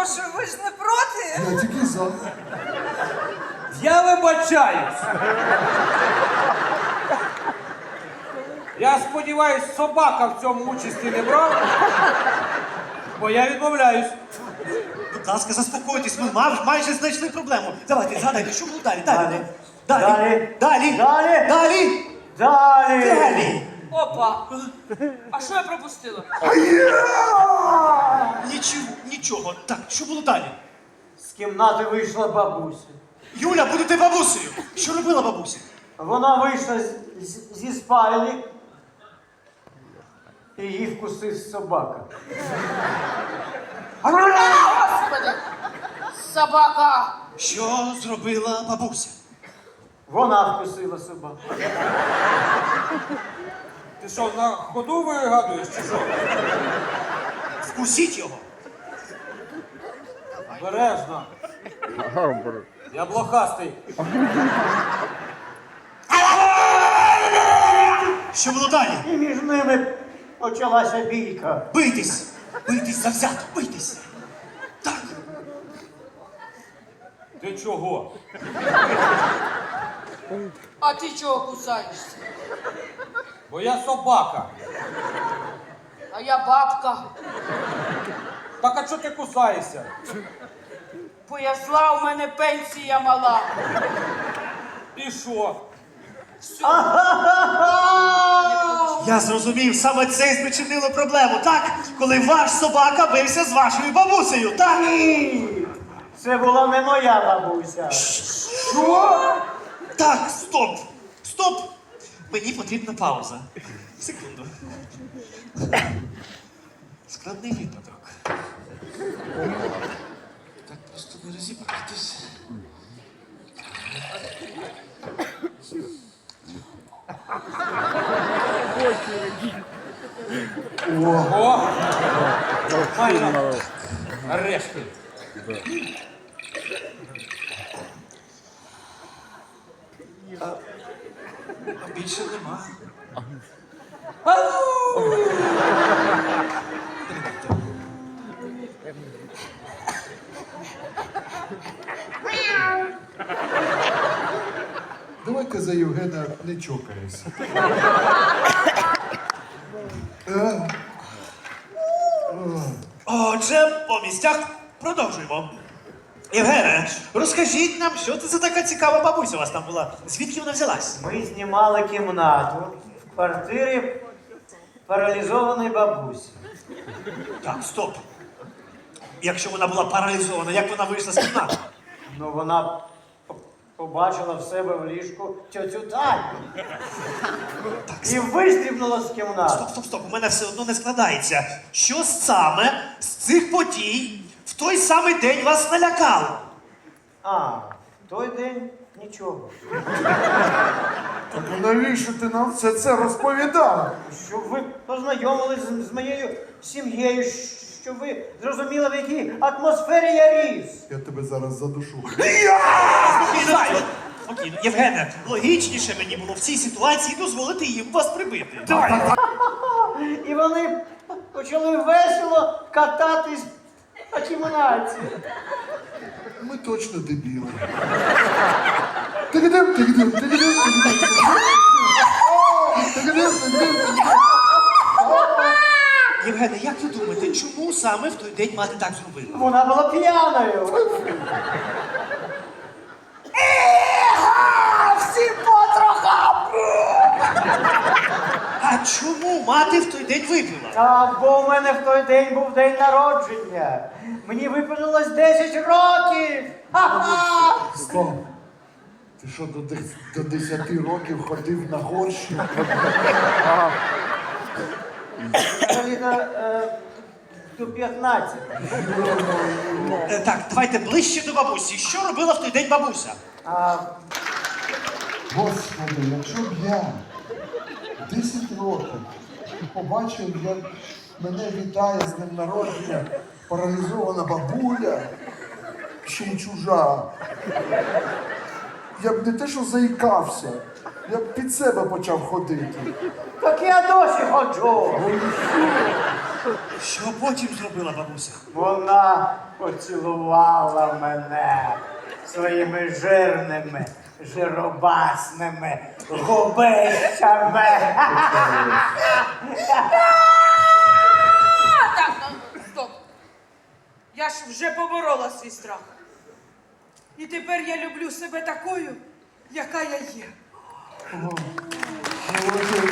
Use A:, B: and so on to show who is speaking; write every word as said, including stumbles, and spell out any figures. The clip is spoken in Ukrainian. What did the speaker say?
A: перепрошую, ви ж не проти?
B: Я тільки за.
C: Я вибачаюсь. Я сподіваюсь, собака в цьому участі не брав, бо я відмовляюсь.
D: Будь ласка, заспокойтесь, ми мав- майже знайшли проблему. Давайте, згадайте, що було далі? Далі.
E: Далі.
D: Далі. Далі.
E: Далі.
D: Далі.
E: Далі!
D: Далі.
A: Опа! А що я пропустила?
D: Нічого, нічого. Так, що було далі?
E: З кімнати вийшла бабуся.
D: Юля, будете бабусею. Що робила бабуся?
E: Вона вийшла з- з- зі спальні і її вкусив собака.
A: Господи! Собака!
D: Що зробила бабуся?
E: Вона вкусила собаку.
C: Ти що, на ходу вигадуєш чи що?
D: Вкусіть його.
C: Бережно. Я блохастий.
D: Що було далі?
E: І між ними почалася бійка.
D: Бийтесь. Бийтесь завзято, бийтесь. Так.
C: Ти чого?
A: А ти чого кусаєшся?
C: Бо я собака.
A: А я бабка.
C: Так а чого ти кусаєшся?
A: Бо я зла, у мене пенсія мала.
C: І що?
A: Все.
D: Я зрозумів, саме це і спричинило проблему, так? Коли ваш собака бився з вашою бабусею, так?
E: Ні! Це була не моя бабуся.
D: Що? Так, стоп! Стоп! Мені потрібна пауза. Секунду. Складний випадок. Так просто не розібратись.
C: О! Файно. Нарешті.
D: А більше нема.
B: Давай-ка за Євгена не чокаєшся.
D: Отже, по місцях продовжуємо. Євгене, розкажіть нам, що це за така цікава бабуся у вас там була? Звідки вона взялась?
E: Ми знімали кімнату в квартирі паралізованої бабусі.
D: Так, стоп. Якщо вона була паралізована, як вона вийшла з кімнати?
E: Ну вона по- побачила в себе в ліжку тьотю Таню. І вистрібнула з кімнати.
D: Стоп, стоп, стоп, у мене все одно не складається. Що саме з цих подій в той самий день вас налякало?
E: А, в той день нічого.
B: Так а навіщо ти нам все це розповідав?
E: Щоб ви познайомились з, з моєю сім'єю, щоб ви зрозуміли, в якій атмосфері я ріс.
B: Я тебе зараз задушу.
D: Спокійно, спокійно. Євгене, логічніше мені було в цій ситуації дозволити їм вас прибити. Давай.
E: І вони почали весело кататись по кімнаті.
B: Ми точно дебіли. Тигидим, тигидим, тигидим, тигидим, тигидим, тигидим.
D: Євгене, як ви думаєте, чому саме в той день мати так зробила?
E: Вона була п'яною.
A: Всі потрохам!
D: А чому мати в той день випила?
E: Так, бо у мене в той день був день народження. Мені виповнилось десять років. Ха-ха!
B: Стоп. Ти що, до, дес- до десяти років ходив на горщі?
E: Взагалі-то, е, до п'ятнадцяти.
D: Е, так, давайте ближче до бабусі. Що робила в той день бабуся?
E: А
B: Господи, якщо б я десять років побачив, як мене вітає з днем народження паралізована бабуля, ще й чужа, я б не те, що заїкався, я б під себе почав ходити.
E: так я досі ходжу.
B: Ну і що?
D: Що потім зробила бабуся?
E: Вона поцілувала мене своїми жирними, жиробасними губищами.
A: А, так, ну, стоп. Я ж вже поборола свій страх. І тепер я люблю себе такою, яка я є.
B: Молодець.